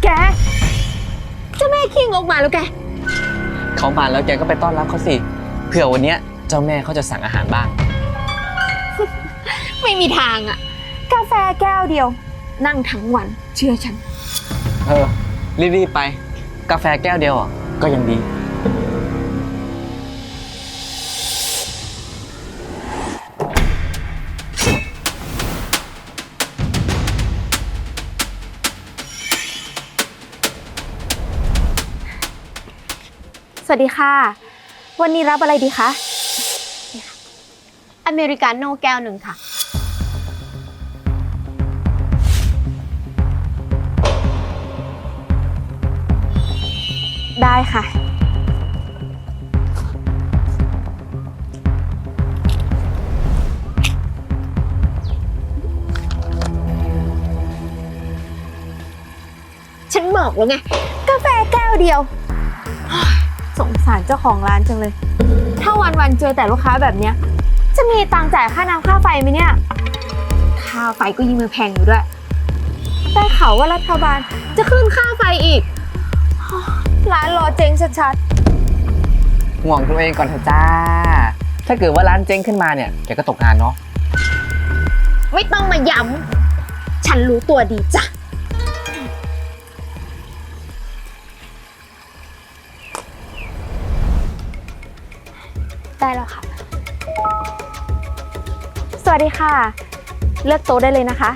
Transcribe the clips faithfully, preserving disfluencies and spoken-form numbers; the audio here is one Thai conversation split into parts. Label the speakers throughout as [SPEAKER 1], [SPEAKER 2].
[SPEAKER 1] แกเจ้าแม่ขี้งกมาแล้วแก
[SPEAKER 2] เขามาแล้วแกก็ไปต้อนรับเขาสิเผื่อวันนี้เจ้าแม่เขาจะสั่งอาหารบ้าง
[SPEAKER 1] ไม่มีทางอะกาแฟแก้วเดียวนั่งทั้งวันเชื่อฉัน
[SPEAKER 2] เออรีบๆไปกาแฟแก้วเดียวอ่ะก็ยังดี
[SPEAKER 1] สวัสดีค่ะวันนี้รับอะไรดีคะ
[SPEAKER 3] อเมริกาโน่แก้วหนึ่งค่ะ
[SPEAKER 1] ได้ค่ะ
[SPEAKER 3] ฉันบอกแล้วไง
[SPEAKER 1] กาแฟแก้วเดียวสงสารเจ้าของร้านจังเลยถ้าวันๆเจอแต่ลูกค้าแบบเนี้ยจะมีตังค์จ่ายค่าน้ำค่าไฟไหมเนี่ยค่าไฟก็ยิ่งมือแพงอยู่ด้วยได้ข่าวว่ารัฐบาลจะขึ้นค่าไฟอีกร้านรอเจ๊งชัด
[SPEAKER 2] ๆห่วงตัวเองก่อนเถอะจ้าถ้าเกิดว่าร้านเจ๊งขึ้นมาเนี่ยแกก็ตกงานเนาะ
[SPEAKER 3] ไม่ต้องมาย้ำฉันรู้ตัวดีจ้ะ
[SPEAKER 1] ได้แล้วค่ะสวัสดีค่ะเลือกโต๊ะได้เลยนะคะ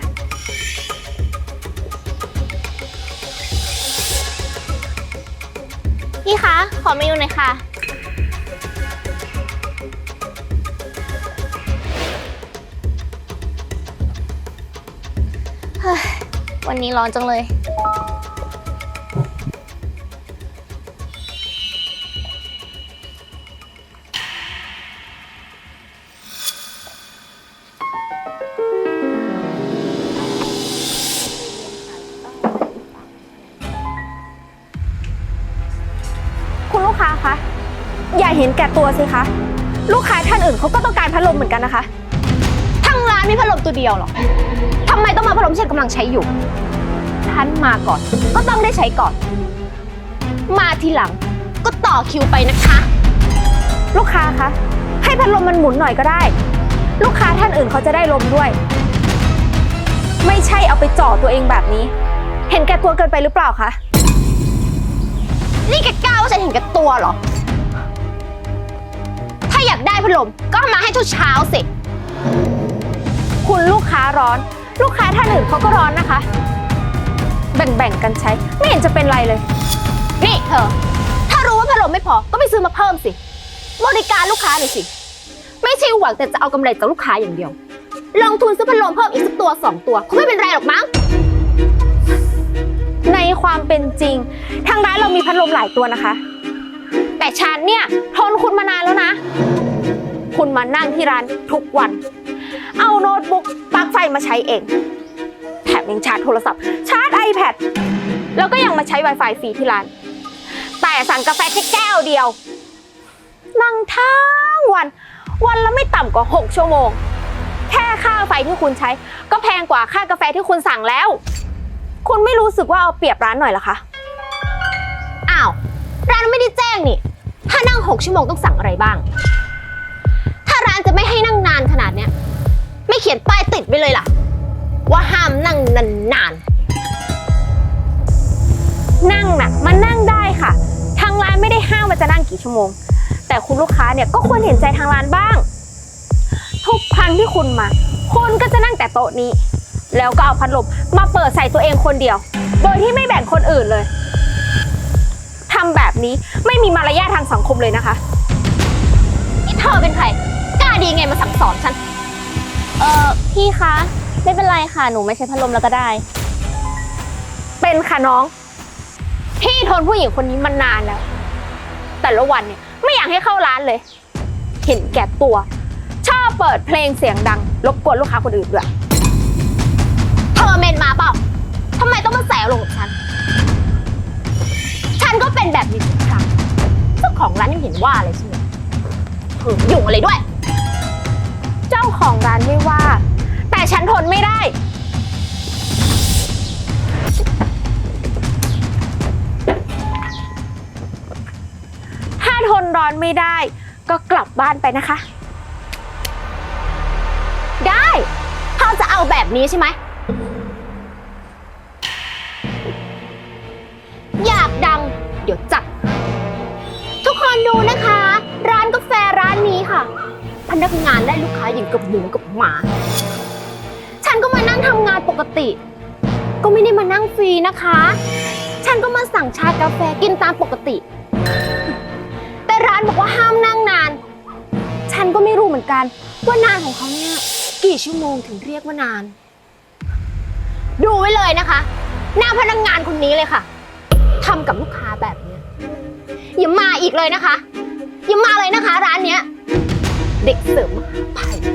[SPEAKER 3] พี่คะขอเมนูหน่อยค่ะเฮ้ยวันนี้ร้อนจังเลย
[SPEAKER 1] คุณลูกค้าคะอย่าเห็นแก่ตัวสิคะลูกค้าท่านอื่นเขาก็ต้องการพัดลมเหมือนกันนะคะ
[SPEAKER 3] ทั้งร้านมีพัดลมตัวเดียวหรอทำไมต้องมาพัดลมที่ฉันกำลังใช้อยู่ฉันมาก่อนก็ต้องได้ใช้ก่อนมาทีหลังก็ต่อคิวไปนะคะ
[SPEAKER 1] ลูกค้าคะให้พัดลมมันหมุนหน่อยก็ได้ลูกค้าท่านอื่นเขาจะได้ลมด้วยไม่ใช่เอาไปจ่อตัวเองแบบนี้เห็นแก่ตัวเกินไปหรือเปล่าคะ
[SPEAKER 3] นี่แกกล้าว่าฉันเห็นแก่ตัวเหรอถ้าอยากได้พัดลมก็เอามาให้เช้าๆสิ
[SPEAKER 1] คุณลูกค้าร้อนลูกค้าท่านอื่นเขาก็ร้อนนะคะแบ่งๆกันใช้ไม่เห็นจะเป็นไรเลย
[SPEAKER 3] นี่เธอถ้ารู้ว่าพัดลมไม่พอก็ไปซื้อมาเพิ่มสิบริการลูกค้าหน่อยสิไม่ใช่หวังแต่จะเอากำไรจากลูกค้าอย่างเดียวลงทุนซื้อพัดลมเพิ่มอีกสักตัวสองตัวคงไม่เป็นไรหรอกมั้ง
[SPEAKER 1] ในความเป็นจริงทางร้านเรามีพัดลมหลายตัวนะคะแต่ฉันเนี่ยทนคุณมานานแล้วนะคุณมานั่งที่ร้านทุกวันเอาโน้ตบุ๊กปลั๊กไฟมาใช้เองแถมยังชาร์จโทรศัพท์ชาร์จ iPad แล้วก็ยังมาใช้ Wi-Fi ฟรีที่ร้านแต่สั่งกาแฟแค่แก้วเดียวนั่งทั้งวันวันละไม่ต่ำกว่าหกชั่วโมงแค่ค่าไฟที่คุณใช้ก็แพงกว่าค่ากาแฟที่คุณสั่งแล้วคุณไม่รู้สึกว่าเอาเปรียบร้านหน่อยเหรอคะ
[SPEAKER 3] อ้าวร้านไม่ได้แจ้งนี่ถ้านั่งหกชั่วโมงต้องสั่งอะไรบ้างถ้าร้านจะไม่ให้นั่งนานขนาดเนี้ยไม่เขียนป้ายติดไว้เลยล่ะว่าห้ามนั่งนาน
[SPEAKER 1] ๆนั่งน่ะมันนั่งได้ค่ะทางร้านไม่ได้ห้ามว่าจะนั่งกี่ชั่วโมงแต่คุณลูกค้าเนี่ยก็ควรเห็นใจทางร้านบ้างทุกครั้งที่คุณมาคุณก็จะนั่งแต่โต๊ะนี้แล้วก็เอาพัดลมมาเปิดใส่ตัวเองคนเดียวโดยที่ไม่แบ่งคนอื่นเลยทำแบบนี้ไม่มีมารยาททางสังคมเลยนะคะ
[SPEAKER 3] นี่เธอเป็นใครกล้าดีไงมาสั่งสอนฉันเออพี่คะไม่เป็นไรค่ะหนูไม่ใช้พัดลมแล้วก็ได้
[SPEAKER 1] เป็นค่ะน้องพี่ทนผู้หญิงคนนี้มานานแล้วแต่ละวันเนี่ยไม่อยากให้เข้าร้านเลยเห็นแก่ตัวชอบเปิดเพลงเสียงดังรบกวนลูกค้าคนอื่นด้วย
[SPEAKER 3] เธอเมนมาเปล่าทำไมต้องมาแสลงกับฉันฉันก็เป็นแบบนี้ทุกครั้งเจ้าของร้านยังเห็นว่าอะไรใช่ไหมเธอยุ่งอะไรด้วย
[SPEAKER 1] เจ้าของร้านไม่ว่าแต่ฉันทนไม่ได้ร้อนไม่ได้ ก็กลับบ้านไปนะคะ
[SPEAKER 3] ได้ถ้าจะเอาแบบนี้ใช่ไหม อยากดัง เดี๋ยวจัด ทุกคนดูนะคะ ร้านกาแฟร้านนี้ค่ะ พนักงานได้ลูกค้าอย่างกับหมูกับหมา ฉันก็มานั่งทำงานปกติ ก็ไม่ได้มานั่งฟรีนะคะ ฉันก็มาสั่งชากาแฟกินตามปกติ แต่ร้านบอกว่าห้ามนั่งนาน ฉันก็ไม่รู้เหมือนกันว่านานของเขาเนี่ยกี่ชั่วโมงถึงเรียกว่านาน ดูไว้เลยนะคะ หน้าพนักงานคนนี้เลยค่ะทำกับลูกค้าแบบเนี้ยอย่ามาอีกเลยนะคะอย่ามาเลยนะคะ ร้านเนี้ยเด็กเสริมไป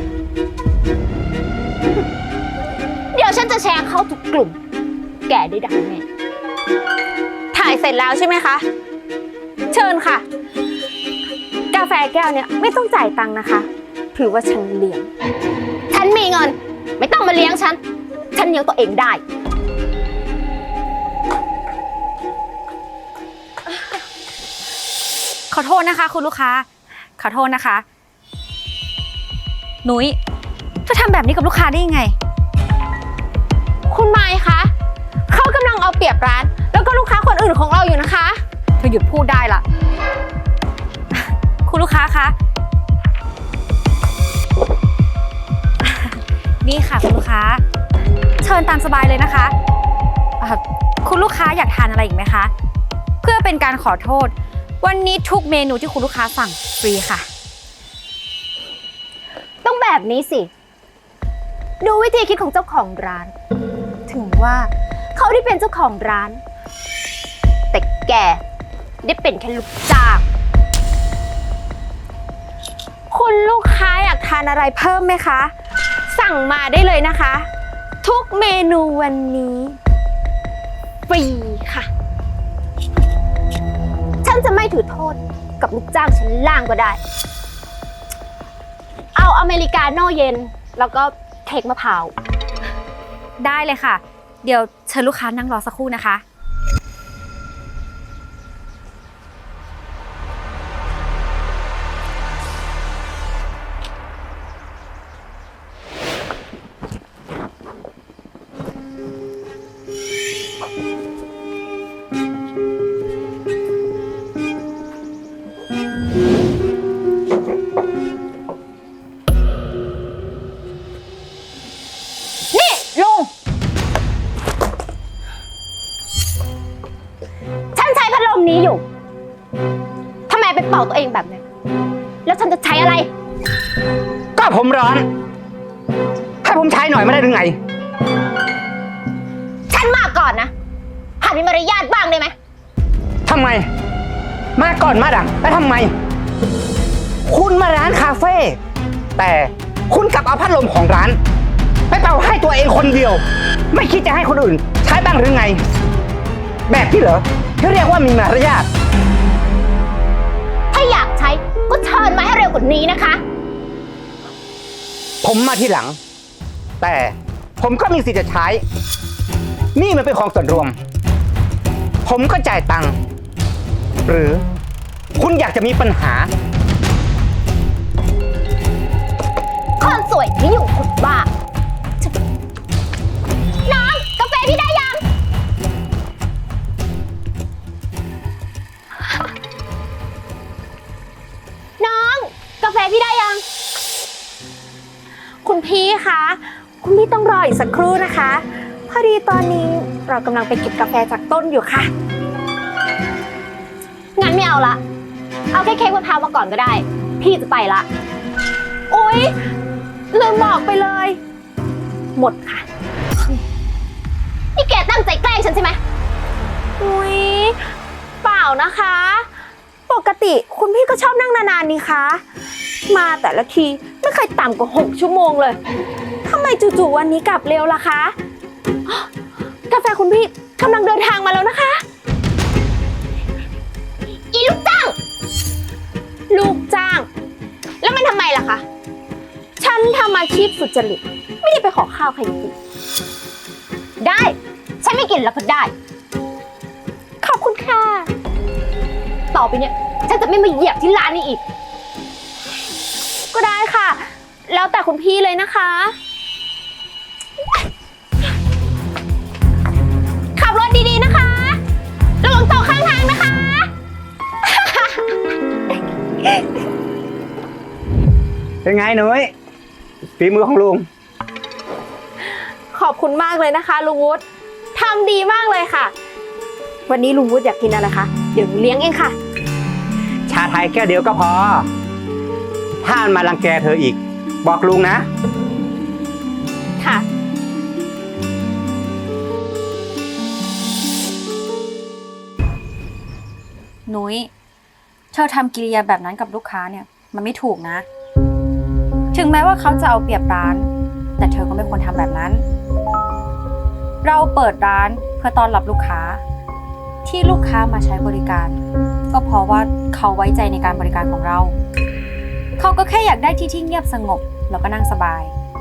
[SPEAKER 3] เดี๋ยวฉันจะแชร์เข้าทุกกลุ่ม แกได้ดังแน่
[SPEAKER 1] ถ่ายเสร็จแล้วใช่ไหมคะ เชิญค่ะ กาแฟแก้วเนี่ยไม่ต้องจ่ายตังค์นะคะ ถือว่าฉันเลี้ยง
[SPEAKER 3] ฉันมีเงิน ไม่ต้องมาเลี้ยงฉัน ฉันเลี้ยงตัวเองได้
[SPEAKER 4] ขอโทษนะคะคุณลูกค้า ขอโทษนะคะ นุ้ยเธอทำแบบนี้กับลูกค้าได้ยังไง
[SPEAKER 1] คุณไมค์คะเขากำลังเอาเปรียบร้าน แล้วก็ลูกค้าคนอื่นของเราอยู่นะคะ
[SPEAKER 4] เธอหยุดพูดได้ละ คุณลูกค้าคะ นี่ค่ะคุณลูกค้า เชิญตามสบายเลยนะคะเอ่อคุณลูกค้าอยากทานอะไรอีกไหมคะ เพื่อเป็นการขอโทษ วันนี้ทุกเมนูที่คุณลูกค้าสั่งฟรีค่ะ
[SPEAKER 3] ต้องแบบนี้สิ ดูวิธีคิดของเจ้าของร้าน ถึงว่าเขาได้เป็นเจ้าของร้าน แต่แกได้เป็นแค่ลูกจ้าง
[SPEAKER 1] คุณลูกค้าอยากทานอะไรเพิ่มไหมคะ สั่งมาได้เลยนะคะ ทุกเมนูวันนี้ฟรีค่ะ
[SPEAKER 3] ฉันจะไม่ถือโทษกับลูกจ้างชั้นล่างก็ได้ เอาอเมริกาโน่เย็น แล้วก็เค้กมะพร้าว
[SPEAKER 4] ได้เลยค่ะ เดี๋ยวเชิญลูกค้านั่งรอสักครู่นะคะ
[SPEAKER 3] นี่ลุง ฉันใช้พัดลมนี้อยู่ ทำไมไปเป่าตัวเองแบบนี้ แล้วฉันจะใช้อะไร
[SPEAKER 2] ก็ผมร้อน ให้ผมใช้หน่อยไม่ได้หรือไง
[SPEAKER 3] ฉันมาก่อนนะหัดมีมารยาทบ้างได้ไหม
[SPEAKER 2] ทำไม มาก่อนมาดังแล้วทำไม คุณมาร้านคาเฟ่แต่คุณกลับเอาพัดลมของร้าน ไปเป่าให้ตัวเองคนเดียว ไม่คิดจะให้คนอื่น ใช้บ้างหรือไง แบบนี้เหรอที่เรียกว่ามีมารยาท
[SPEAKER 3] ถ้าอยากใช้ก็เชิญมาให้เร็วกว่านี้นะคะ
[SPEAKER 2] ผมมาทีหลัง แต่ผมก็มีสิทธิ์จะใช้ นี่มันเป็นของส่วนรวม ผมก็จ่ายตังค์หรือคุณอยากจะมีปัญหา
[SPEAKER 3] คนสวยไม่อยู่คนบ้า น้องกาแฟพี่ได้ยัง น้องกาแฟพี่ได้ยัง
[SPEAKER 1] คุณพี่คะ คุณพี่ต้องรออีกสักครู่นะคะ พอดีตอนนี้เรากำลังไปเก็บกาแฟจากต้นอยู่ค่ะ
[SPEAKER 3] งั้นไม่เอาละ เอาแค่เค้กมะพร้าวมาก่อนก็ได้ พี่จะไปละ
[SPEAKER 1] อุ๊ยลืมบอกไปเลย หมดค่ะ
[SPEAKER 3] นี่แกตั้งใจแกล้งฉันใช่ไหม
[SPEAKER 1] อุ๊ยเปล่านะคะ ปกติคุณพี่ก็ชอบนั่งนานๆนี่คะ มาแต่ละทีไม่เคยต่ำกว่าหกชั่วโมงเลยทำไมจู่ๆวันนี้กลับเร็วล่ะคะอ๊ะกาแฟคุณพี่กำลังเดินทางมาแล้วนะคะ
[SPEAKER 3] อีลูกจ้าง
[SPEAKER 1] ลูกจ้าง แล้วมันทำไมล่ะคะ ฉันทำอาชีพสุจริต ไม่ได้ไปขอข้าวใครกิน
[SPEAKER 3] ได้ ฉันไม่กินแล้วก็ได้
[SPEAKER 1] ขอบคุณค่ะ
[SPEAKER 3] ต่อไปเนี่ยฉันจะไม่มาเหยียบที่ร้านนี้อีก
[SPEAKER 1] ก็ได้ค่ะ แล้วแต่คุณพี่เลยนะคะ
[SPEAKER 3] ขับรถดีๆนะคะระวังตกข้างทางนะคะ
[SPEAKER 2] เป็นไงหนุ้ยฝีมือของลุง
[SPEAKER 1] ขอบคุณมากเลยนะคะลุงวุฒิทำดีมากเลยค่ะ วันนี้ลุงวุฒิอยากกินอะไรคะ เดี๋ยวหนูเลี้ยงเองค่ะ
[SPEAKER 2] ชาไทยแก้วเดียวก็พอ ถ้ามันมารังแกเธออีก บอกลุงนะ
[SPEAKER 1] ค่ะ
[SPEAKER 4] นุ้ยเธอทำกิริยาแบบนั้นกับลูกค้าเนี่ยมันไม่ถูกนะ ถึงแม้ว่าเขาจะเอาเปรียบร้าน แต่เธอก็ไม่ควรทำแบบนั้น เราเปิดร้านเพื่อต้อนรับลูกค้า ที่ลูกค้ามาใช้บริการ ก็เพราะว่าเขาไว้ใจในการบริการของเรา เขาก็แค่อยากได้ที่ที่เงียบสงบแล้วก็นั่งสบาย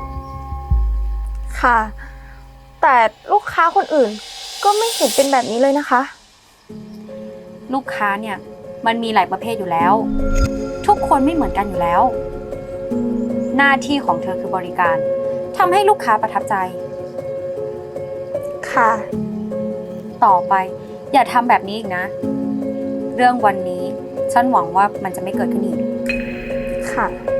[SPEAKER 1] ค่ะ แต่ลูกค้าคนอื่นก็ไม่เห็นเป็นแบบนี้เลยนะคะ
[SPEAKER 4] ลูกค้าเนี่ยมันมีหลายประเภทอยู่แล้ว ทุกคนไม่เหมือนกันอยู่แล้ว หน้าที่ของเธอคือบริการทำให้ลูกค้าประทับใจ
[SPEAKER 1] ค่ะ
[SPEAKER 4] ต่อไปอย่าทำแบบนี้อีกนะ เรื่องวันนี้ฉันหวังว่ามันจะไม่เกิดขึ้นอีก
[SPEAKER 1] ค่ะ